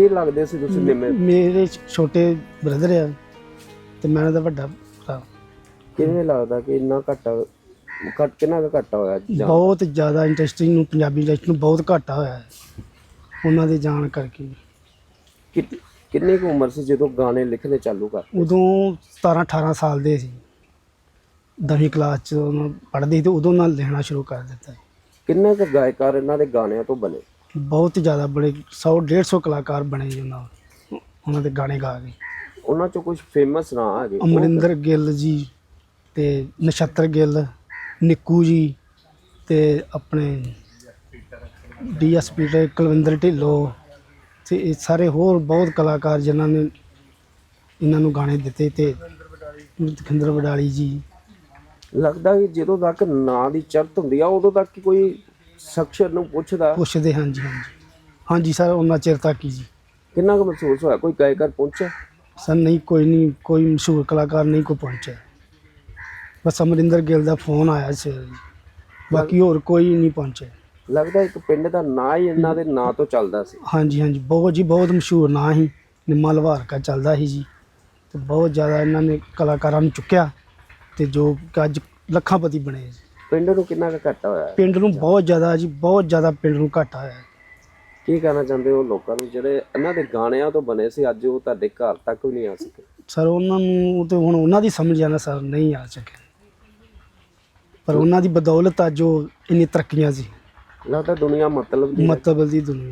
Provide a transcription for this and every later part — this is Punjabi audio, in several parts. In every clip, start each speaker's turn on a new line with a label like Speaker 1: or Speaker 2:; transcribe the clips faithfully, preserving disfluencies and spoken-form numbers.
Speaker 1: ਕੀ ਲੱਗਦੇ ਸੀ ਤੁਸੀਂ ਨਿੰਮੇ?
Speaker 2: ਮੇਰੇ ਛੋਟੇ ਬ੍ਰਦਰ ਆ ਤੇ ਮੈਂ ਉਹਦਾ ਵੱਡਾ ਭਰਾ।
Speaker 1: ਕਿਵੇਂ ਲੱਗਦਾ ਕਿ ਇੰਨਾ ਘਾਟਾ ਘੱਟ ਕਿੰਨਾ ਕੁ ਘਾਟਾ ਹੋਇਆ ਜਾਂ
Speaker 2: ਬਹੁਤ ਜ਼ਿਆਦਾ ਇੰਡਸਟਰੀ ਨੂੰ, ਪੰਜਾਬੀ ਇੰਡਸਟਰੀ ਨੂੰ ਬਹੁਤ ਘਾਟਾ ਹੋਇਆ ਹੈ ਉਹਨਾਂ ਦੇ ਜਾਣ ਕਰਕੇ।
Speaker 1: ਕਿ- ਕਿੰਨੀ ਕੁ ਉਮਰ ਸੀ ਜਦੋਂ ਗਾਣੇ ਲਿਖਣੇ ਚਾਲੂ ਕਰ?
Speaker 2: ਉਦੋਂ ਸਤਾਰਾਂ ਅਠਾਰਾਂ ਸਾਲ ਦੇ ਸੀ, ਦਸਵੀਂ ਕਲਾਸ 'ਚ ਪੜ੍ਹਦੇ ਸੀ ਤੇ ਉਦੋਂ ਨਾਲ ਲਿਖਣਾ ਸ਼ੁਰੂ ਕਰ ਦਿੱਤਾ।
Speaker 1: ਕਿੰਨੇ ਕੁ ਗਾਇਕਾਰ ਇਹਨਾਂ ਦੇ ਗਾਣਿਆਂ ਤੋਂ ਬਣੇ?
Speaker 2: ਬਹੁਤ ਜ਼ਿਆਦਾ ਬੜੇ ਸੌ ਡੇਢ ਸੌ ਕਲਾਕਾਰ ਬਣੇ ਜੀ ਉਹਨਾਂ ਉਹਨਾਂ ਦੇ ਗਾਣੇ ਗਾ ਕੇ।
Speaker 1: ਉਹਨਾਂ ਚੋਂ ਕੁਝ ਫੇਮਸ ਨਾਂ ਹੈਗੇ?
Speaker 2: ਅਮਰਿੰਦਰ ਗਿੱਲ ਜੀ ਤੇ ਨਛੱਤਰ ਗਿੱਲ, ਨਿੱਕੂ ਜੀ ਤੇ ਆਪਣੇ ਡੀ ਐਸ ਪੀ ਤੇ ਕੁਲਵਿੰਦਰ ਢਿੱਲੋਂ ਤੇ ਇਹ ਸਾਰੇ ਹੋਰ ਬਹੁਤ ਕਲਾਕਾਰ ਜਿਨ੍ਹਾਂ ਨੇ ਇਹਨਾਂ ਨੂੰ ਗਾਣੇ ਦਿੱਤੇ, ਤੇ ਖਿੰਦਰ ਵਡਾਲੀ ਜੀ।
Speaker 1: ਲੱਗਦਾ ਕਿ ਜਦੋਂ ਤੱਕ ਨਾਂ ਦੀ ਚੜ੍ਹਤ ਹੁੰਦੀ ਆ ਉਦੋਂ ਤੱਕ ਹੀ ਕੋਈ ਸ਼ਖਸ ਨੂੰ ਪੁੱਛਦਾ?
Speaker 2: ਪੁੱਛਦੇ ਹਾਂਜੀ ਹਾਂਜੀ ਹਾਂਜੀ ਸਰ, ਉਹਨਾਂ ਚਿਰ ਤੱਕ ਹੀ ਜੀ।
Speaker 1: ਕਿੰਨਾ ਕੁ ਮਹਿਸੂਸ ਹੋਇਆ? ਕੋਈ ਗਾਇਕਾਰ ਪਹੁੰਚਿਆ?
Speaker 2: ਸਰ ਨਹੀਂ, ਕੋਈ ਨਹੀਂ, ਕੋਈ ਮਸ਼ਹੂਰ ਕਲਾਕਾਰ ਨਹੀਂ ਕੋਈ ਪਹੁੰਚਿਆ। ਬਸ ਅਮਰਿੰਦਰ ਗਿੱਲ ਦਾ ਫੋਨ ਆਇਆ ਸੀ, ਬਾਕੀ ਹੋਰ ਕੋਈ ਨਹੀਂ ਪਹੁੰਚਿਆ।
Speaker 1: ਲੱਗਦਾ ਇੱਕ ਪਿੰਡ ਦਾ ਨਾਂ ਹੀ ਇਹਨਾਂ ਦੇ ਨਾਂ ਤੋਂ ਚੱਲਦਾ ਸੀ।
Speaker 2: ਹਾਂਜੀ ਹਾਂਜੀ ਬਹੁਤ ਜੀ, ਬਹੁਤ ਮਸ਼ਹੂਰ ਨਾਂ ਸੀ, ਨਿੰਮਾ ਲਵਾਰਕਾ ਚੱਲਦਾ ਸੀ ਜੀ। ਤੇ ਬਹੁਤ ਜ਼ਿਆਦਾ ਇਹਨਾਂ ਨੇ ਕਲਾਕਾਰਾਂ ਨੂੰ ਚੁੱਕਿਆ ਤੇ ਜੋ ਕਿ ਅੱਜ ਲੱਖਾਂਪਤੀ ਬਣੇ ਜੀ।
Speaker 1: ਪਿੰਡ ਨੂੰ ਕਿੰਨਾ ਕੁ ਘਾਟਾ ਹੋਇਆ?
Speaker 2: ਪਿੰਡ ਨੂੰ ਬਹੁਤ ਜ਼ਿਆਦਾ ਜੀ, ਬਹੁਤ ਜ਼ਿਆਦਾ ਪਿੰਡ ਨੂੰ ਘਾਟਾ ਹੋਇਆ।
Speaker 1: ਕੀ ਕਹਿਣਾ ਚਾਹੁੰਦੇ ਹੋ ਲੋਕਾਂ ਨੂੰ ਜਿਹੜੇ ਇਹਨਾਂ ਦੇ ਗਾਣਿਆਂ ਤੋਂ ਬਣੇ ਸੀ, ਅੱਜ ਉਹ ਤੁਹਾਡੇ ਘਰ ਤੱਕ ਵੀ ਨਹੀਂ ਆ ਸਕੇ?
Speaker 2: ਸਰ ਉਹਨਾਂ ਨੂੰ ਤੇ ਹੁਣ ਉਹਨਾਂ ਦੀ ਸਮਝ ਆ ਨਾ ਸਰ, ਨਹੀਂ ਆ ਸਕੇ, ਪਰ ਉਹਨਾਂ ਦੀ ਬਦੌਲਤ ਅੱਜ ਉਹ ਇੰਨੀ ਤਰੱਕੀਆਂ ਸੀ।
Speaker 1: ਲੱਗਦਾ ਦੁਨੀਆ ਮਤਲਬ ਦੀ
Speaker 2: ਮਤਲਬ ਦੀ ਦੁਨੀਆ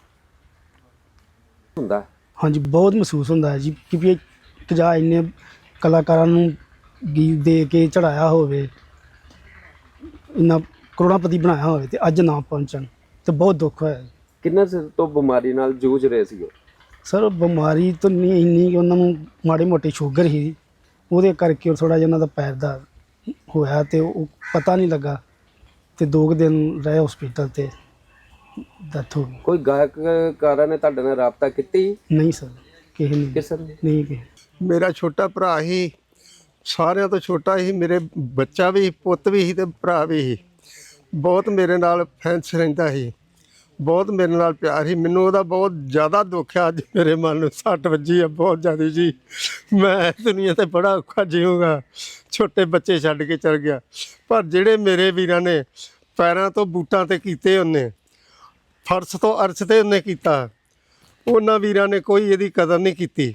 Speaker 1: ਹੁੰਦਾ।
Speaker 2: ਹਾਂਜੀ ਬਹੁਤ ਮਹਿਸੂਸ ਹੁੰਦਾ ਹੈ ਜੀ ਕਿ ਵੀ ਇੱਕ ਜਾਂ ਇੰਨੇ ਕਲਾਕਾਰਾਂ ਨੂੰ ਗੀਤ ਦੇ ਕੇ ਚੜਾਇਆ ਹੋਵੇ, ਇੰਨਾ ਕਰੋੜਾਪਤੀ ਬਣਾਇਆ ਹੋਵੇ ਤੇ ਅੱਜ ਨਾ ਪਹੁੰਚਣ ਤੇ ਬਹੁਤ ਦੁੱਖ ਹੋਇਆ।
Speaker 1: ਕਿੰਨੇ ਚਿਰ ਤੋਂ ਬਿਮਾਰੀ ਨਾਲ ਜੂਝ ਰਹੇ ਸੀ?
Speaker 2: ਸਰ ਬਿਮਾਰੀ ਤਾਂ ਨਹੀਂ ਇੰਨੀ ਕਿ ਉਹਨਾਂ ਨੂੰ ਮਾੜੀ ਮੋਟੀ ਸ਼ੂਗਰ ਸੀ, ਉਹਦੇ ਕਰਕੇ ਥੋੜ੍ਹਾ ਜਿਹਾ ਉਹਨਾਂ ਦਾ ਪੈਰ ਦਾ ਹੋਇਆ ਤੇ ਉਹ ਪਤਾ ਨਹੀਂ ਲੱਗਾ ਤੇ ਦੋ ਕੁ ਦਿਨ ਰਹੇ ਹਸਪੀਟਲ ਤੇ ਡੈਥ ਹੋ ਗਈ।
Speaker 1: ਕੋਈ ਗਾਇਕਕਾਰਾਂ ਨੇ ਤੁਹਾਡੇ ਨਾਲ ਰਾਬਤਾ ਕੀਤੀ?
Speaker 2: ਨਹੀਂ ਸਰ, ਕਿਸੇ ਨੇ
Speaker 1: ਕਿਸੇ ਨੇ?
Speaker 2: ਨਹੀਂ ਕਿਸੇ।
Speaker 3: ਮੇਰਾ ਛੋਟਾ ਭਰਾ ਹੀ, ਸਾਰਿਆਂ ਤੋਂ ਛੋਟਾ ਹੀ, ਮੇਰੇ ਬੱਚਾ ਵੀ, ਪੁੱਤ ਵੀ ਸੀ ਤੇ ਭਰਾ ਵੀ ਸੀ। ਬਹੁਤ ਮੇਰੇ ਨਾਲ ਫੈਂਸ ਰਹਿੰਦਾ ਸੀ, ਬਹੁਤ ਮੇਰੇ ਨਾਲ ਪਿਆਰ ਸੀ। ਮੈਨੂੰ ਉਹਦਾ ਬਹੁਤ ਜ਼ਿਆਦਾ ਦੁੱਖ ਆ। ਅੱਜ ਮੇਰੇ ਮਨ ਨੂੰ ਸੱਟ ਵੱਜੀ ਆ ਬਹੁਤ ਜ਼ਿਆਦਾ ਜੀ। ਮੈਂ ਦੁਨੀਆ ਤੇ ਬੜਾ ਔਖਾ ਜੀਊਂਗਾ, ਛੋਟੇ ਬੱਚੇ ਛੱਡ ਕੇ ਚਲ ਗਿਆ। ਪਰ ਜਿਹੜੇ ਮੇਰੇ ਵੀਰਾਂ ਨੇ ਪੈਰਾਂ ਤੋਂ ਬੂਟਾਂ ਤੇ ਕੀਤੇ, ਉਹਨੇ ਫਰਸ਼ ਤੋਂ ਅਰਸ਼ ਤੇ ਉਹਨੇ ਕੀਤਾ, ਉਹਨਾਂ ਵੀਰਾਂ ਨੇ ਕੋਈ ਇਹਦੀ ਕਦਰ ਨਹੀਂ ਕੀਤੀ।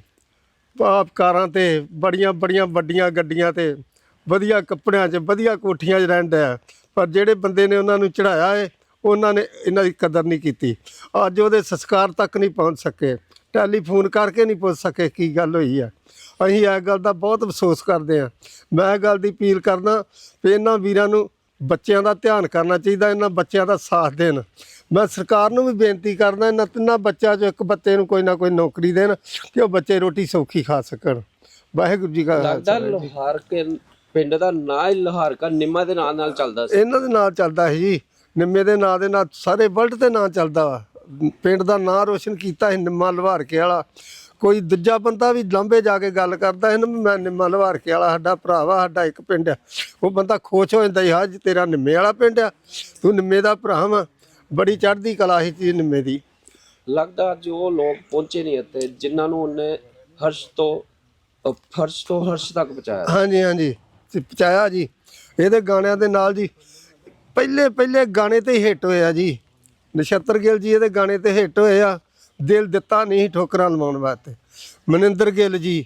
Speaker 3: ਆਪ ਕਾਰਾਂ ਤੇ, ਬੜੀਆਂ ਬੜੀਆਂ ਵੱਡੀਆਂ ਗੱਡੀਆਂ ਤੇ, ਵਧੀਆ ਕੱਪੜਿਆਂ 'ਚ, ਵਧੀਆ ਕੋਠੀਆਂ 'ਚ ਰਹਿਣ ਡਿਆ, ਪਰ ਜਿਹੜੇ ਬੰਦੇ ਨੇ ਉਹਨਾਂ ਨੂੰ ਚੜ੍ਹਾਇਆ ਹੈ ਉਹਨਾਂ ਨੇ ਇਹਨਾਂ ਦੀ ਕਦਰ ਨਹੀਂ ਕੀਤੀ। ਅੱਜ ਉਹਦੇ ਸੰਸਕਾਰ ਤੱਕ ਨਹੀਂ ਪਹੁੰਚ ਸਕੇ, ਟੈਲੀਫੋਨ ਕਰਕੇ ਨਹੀਂ ਪੁੱਛ ਸਕੇ ਕੀ ਗੱਲ ਹੋਈ ਆ। ਅਸੀਂ ਇਸ ਗੱਲ ਦਾ ਬਹੁਤ ਅਫਸੋਸ ਕਰਦੇ ਹਾਂ। ਮੈਂ ਇਹ ਗੱਲ ਦੀ ਅਪੀਲ ਕਰਦਾ ਵੀ ਇਹਨਾਂ ਵੀਰਾਂ ਨੂੰ ਬੱਚਿਆਂ ਦਾ ਧਿਆਨ ਕਰਨਾ ਚਾਹੀਦਾ, ਇਹਨਾਂ ਬੱਚਿਆਂ ਦਾ ਸਾਥ ਦੇਣ। ਮੈਂ ਸਰਕਾਰ ਨੂੰ ਵੀ ਬੇਨਤੀ ਕਰਦਾ ਇਹਨਾਂ ਤਿੰਨਾਂ ਬੱਚਿਆਂ 'ਚੋਂ ਇੱਕ ਬੱਚੇ ਨੂੰ ਕੋਈ ਨਾ ਕੋਈ ਨੌਕਰੀ ਦੇਣ ਕਿ ਉਹ ਬੱਚੇ ਰੋਟੀ ਸੌਖੀ ਖਾ ਸਕਣ। ਵਾਹਿਗੁਰੂ ਜੀ ਕਾ
Speaker 1: ਲੱਗਦਾ ਲੋਹਾਰ ਕੇ ਪਿੰਡ ਦਾ ਨਾਂ ਹੀ ਲੋਹਾਰਕਾ ਨਿੰਮਾ ਦੇ ਨਾਂ ਨਾਲ ਚੱਲਦਾ ਸੀ।
Speaker 3: ਇਹਨਾਂ ਦੇ ਨਾਂ ਚੱਲਦਾ ਸੀ ਜੀ, ਨਿੰਮੇ ਦੇ ਨਾਂ ਦੇ ਨਾਲ ਸਾਰੇ ਵਰਲਡ ਤੇ ਨਾਂ ਚੱਲਦਾ ਵਾ। ਪਿੰਡ ਦਾ ਨਾਂ ਰੋਸ਼ਨ ਕੀਤਾ ਸੀ ਨਿੰਮਾ ਲਵਾਰਕੇ ਵਾਲਾ। ਕੋਈ ਦੂਜਾ ਬੰਦਾ ਵੀ ਲਾਂਭੇ ਜਾ ਕੇ ਗੱਲ ਕਰਦਾ ਇਹਨੂੰ, ਮੈਂ ਨਿੰਮਾ ਲਵਾਰਕੇ ਵਾਲਾ ਸਾਡਾ ਭਰਾ ਵਾ, ਸਾਡਾ ਇੱਕ ਪਿੰਡ ਆ, ਉਹ ਬੰਦਾ ਖੁਸ਼ ਹੋ ਜਾਂਦਾ ਹਾਂ ਜੀ ਤੇਰਾ ਨਿੰਮੇ ਵਾਲਾ ਪਿੰਡ ਆ, ਤੂੰ ਨਿੰਮੇ ਦਾ ਭਰਾ ਵਾ। ਬੜੀ ਚੜ੍ਹਦੀ ਕਲਾ ਸੀ ਜੀ ਨਿੰਮੇ ਦੀ।
Speaker 1: ਲੱਗਦਾ ਅੱਜ ਉਹ ਲੋਕ ਪਹੁੰਚੇ ਨਹੀਂ ਇੱਥੇ ਜਿਨ੍ਹਾਂ ਨੂੰ ਉਹਨੇ ਹਰਸ਼ ਤੋਂ ਅਹ ਫਰਸ਼ ਤੋਂ ਹਰਸ਼ ਤੱਕ ਪਹੁੰਚਾਇਆ।
Speaker 3: ਹਾਂਜੀ ਹਾਂਜੀ ਤੇ ਪਹੁੰਚਾਇਆ ਜੀ। ਇਹਦੇ ਗਾਣਿਆਂ ਦੇ ਨਾਲ ਜੀ ਪਹਿਲੇ ਪਹਿਲੇ ਗਾਣੇ ਤੇ ਹੀ ਹਿੱਟ ਹੋਇਆ ਜੀ। ਨਛੱਤਰ ਗਿੱਲ ਜੀ ਇਹਦੇ ਗਾਣੇ ਤੇ ਹਿੱਟ ਹੋਏ ਆ। ਦਿਲ ਦਿੱਤਾ ਨਹੀਂ ਠੋਕਰਾਂ ਲਵਾਉਣ ਵਾਸਤੇ। ਮਨਿੰਦਰ ਗਿੱਲ ਜੀ,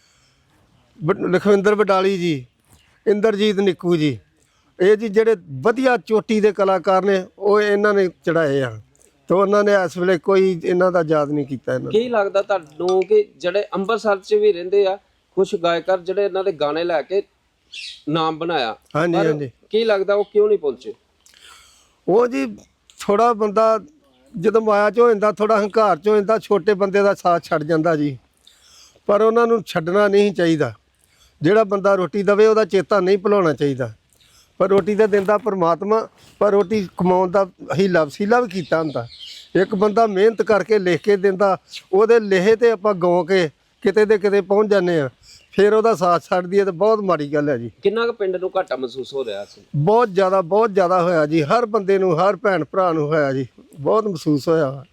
Speaker 3: ਲਖਵਿੰਦਰ ਵਡਾਲੀ ਜੀ, ਇੰਦਰਜੀਤ ਨਿੱਕੂ ਜੀ, ਇਹ ਜੀ ਜਿਹੜੇ ਵਧੀਆ ਚੋਟੀ ਦੇ ਕਲਾਕਾਰ ਨੇ, ਉਹ ਇਹਨਾਂ ਨੇ ਚੜਾਏ ਆ ਤੇ ਉਹਨਾਂ ਨੇ ਇਸ ਵੇਲੇ ਕੋਈ ਇਹਨਾਂ ਦਾ ਯਾਦ ਨਹੀਂ ਕੀਤਾ। ਇਹਨਾਂ
Speaker 1: ਕੀ ਲੱਗਦਾ ਤੁਹਾਨੂੰ ਕਿ ਜਿਹੜੇ ਅੰਮ੍ਰਿਤਸਰ 'ਚ ਵੀ ਰਹਿੰਦੇ ਆ ਕੁਝ ਗਾਇਕਾਰ ਜਿਹੜੇ ਇਹਨਾਂ ਦੇ ਗਾਣੇ ਲੈ ਕੇ ਨਾਮ ਬਣਾਇਆ,
Speaker 3: ਹਾਂਜੀ ਹਾਂਜੀ,
Speaker 1: ਕੀ ਲੱਗਦਾ ਉਹ ਕਿਉਂ ਨਹੀਂ ਪਹੁੰਚੇ?
Speaker 3: ਉਹ ਜੀ ਥੋੜਾ ਬੰਦਾ ਜਦੋਂ ਮਾਇਆ 'ਚ ਹੋ ਜਾਂਦਾ, ਥੋੜਾ ਹੰਕਾਰ 'ਚ ਹੋ ਜਾਂਦਾ, ਛੋਟੇ ਬੰਦੇ ਦਾ ਸਾਥ ਛੱਡ ਜਾਂਦਾ ਜੀ। ਪਰ ਉਹਨਾਂ ਨੂੰ ਛੱਡਣਾ ਨਹੀਂ ਚਾਹੀਦਾ। ਜਿਹੜਾ ਬੰਦਾ ਰੋਟੀ ਦੇਵੇ ਉਹਦਾ ਚੇਤਾ ਨਹੀਂ ਭੁਲਾਉਣਾ ਚਾਹੀਦਾ। ਪਰ ਰੋਟੀ ਤਾਂ ਦਿੰਦਾ ਪਰਮਾਤਮਾ, ਪਰ ਰੋਟੀ ਕਮਾਉਣ ਦਾ ਹੀਲਾ ਵਸੀਲਾ ਵੀ ਕੀਤਾ ਹੁੰਦਾ। ਇੱਕ ਬੰਦਾ ਮਿਹਨਤ ਕਰਕੇ ਲਿਖ ਕੇ ਦਿੰਦਾ, ਉਹਦੇ ਲੇਹੇ ਤੇ ਆਪਾਂ ਗਾਉ ਕੇ ਕਿਤੇ ਦੇ ਕਿਤੇ ਪਹੁੰਚ ਜਾਂਦੇ ਹਾਂ, ਫਿਰ ਉਹਦਾ ਸਾਥ ਛੱਡ ਦਈਏ ਤਾਂ ਬਹੁਤ ਮਾੜੀ ਗੱਲ ਹੈ ਜੀ।
Speaker 1: ਕਿੰਨਾ ਕੁ ਪਿੰਡ ਨੂੰ ਘਾਟਾ ਮਹਿਸੂਸ ਹੋ ਰਿਹਾ ਸੀ?
Speaker 3: ਬਹੁਤ ਜ਼ਿਆਦਾ ਬਹੁਤ ਜ਼ਿਆਦਾ ਹੋਇਆ ਜੀ। ਹਰ ਬੰਦੇ ਨੂੰ, ਹਰ ਭੈਣ ਭਰਾ ਨੂੰ ਹੋਇਆ ਜੀ, ਬਹੁਤ ਮਹਿਸੂਸ ਹੋਇਆ।